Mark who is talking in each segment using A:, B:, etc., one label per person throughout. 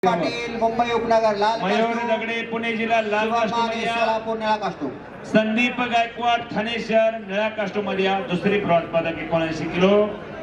A: पाटील मुंबई उपनगर लाल
B: मयूर दगडे पुणे जिल्हा लाल कास्टोमध्ये
A: सोलापूर निळा कास्टो
B: संदीप गायकवाड ठाणे शहर निळा कास्टोमध्ये दुसरी ब्रॉन्झ पदक 79 किलो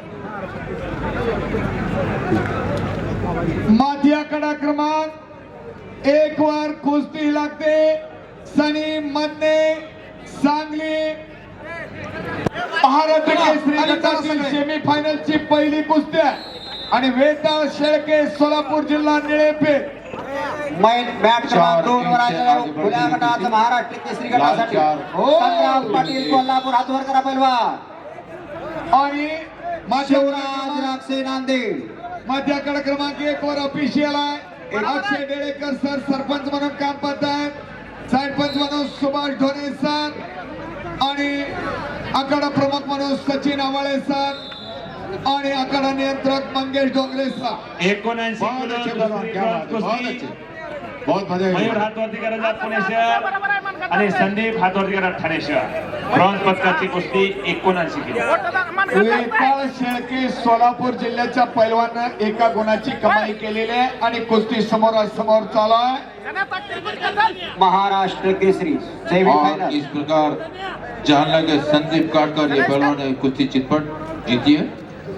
C: माथिया कडा क्रमांक 1 वर कुस्ती लागते सनी मधने सांगली महाराष्ट्र केसरी गटातील सेमीफायनल ची पहिली कुस्ती आणि वेताळ शेळके सोलापूर जिल्हा निळेपेठ
A: मॅट क्रमांक 2 वर आलेला खुल्या गटाचा महाराष्ट्र केसरी गटासाठी संग्राम पाटील कोल्हापूर हात वर करा पहिलवान
C: आणि
A: शिवराज राक्षे नांदेड
C: माथियाकडे क्रमांक 1 वर ऑफिशियल आहे अक्षय डेळेकर सर सरपंच म्हणून काम पाहतात साइड पंच म्हणून सुभाष ढोणे सर आणि आखाडा प्रमुख म्हणून सचिन आवाळे सर आणि आखाडा नियंत्रक मंगेश डोंगरे सर
B: 79 किलो दुसरी ब्रॉन्झ कुस्ती
C: बहुत मजा
B: मयूर हातवरती करायचा पुणे शहर आणि संदीप हातवरती करा ठाणे शहर ब्रॉन्झ पदकाची कुस्ती 79 किलो
C: वेताळ शेळके सोलापूर जिल्ह्याच्या पैलवानं एका गुणाची कमाई केलेली आहे आणि कुस्ती समोर चालू आहे
A: महाराष्ट्र केसरी
D: और
A: सेमीफाइनल
D: इस प्रकार जान लगे संदीप काटकर ये पहलवान ने कुश्ती चितपट जीती है।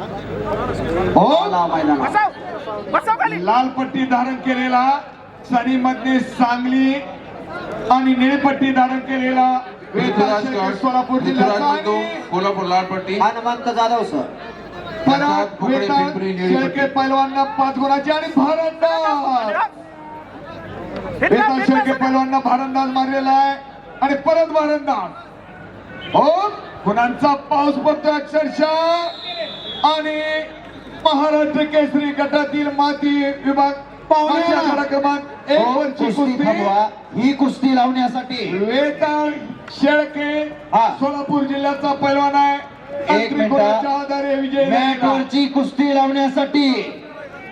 C: लाल पट्टी धारण केलेला सनी मधने सांगली आणि निळी पट्टी धारण केलेला वेताळ शेळके सोलापूर जिल्ह्याचा आणि
D: कोल्हापूर लाल पट्टी
A: हनुमंत जाधव सर
C: परत वेताळ शेळके पैलवांना 5 गुणाची आणि भारंदाज वेताळ शेळके पैलवांना भारंदाज मारलेला आहे आणि परत भारंदाज हो गुणांचा पाऊस पडतोय अक्षरशः आणि महाराष्ट्र केसरी गटातील माती विभाग पाहुणे क्रमांक 1 वरची कुस्ती
A: ही कुस्ती लावण्यासाठी
C: वेताळ शेळके सोलापूर जिल्ह्याचा पैलवान आहे
A: एक मिनिट
C: आधारे विजय
A: मॅटवरची कुस्ती लावण्यासाठी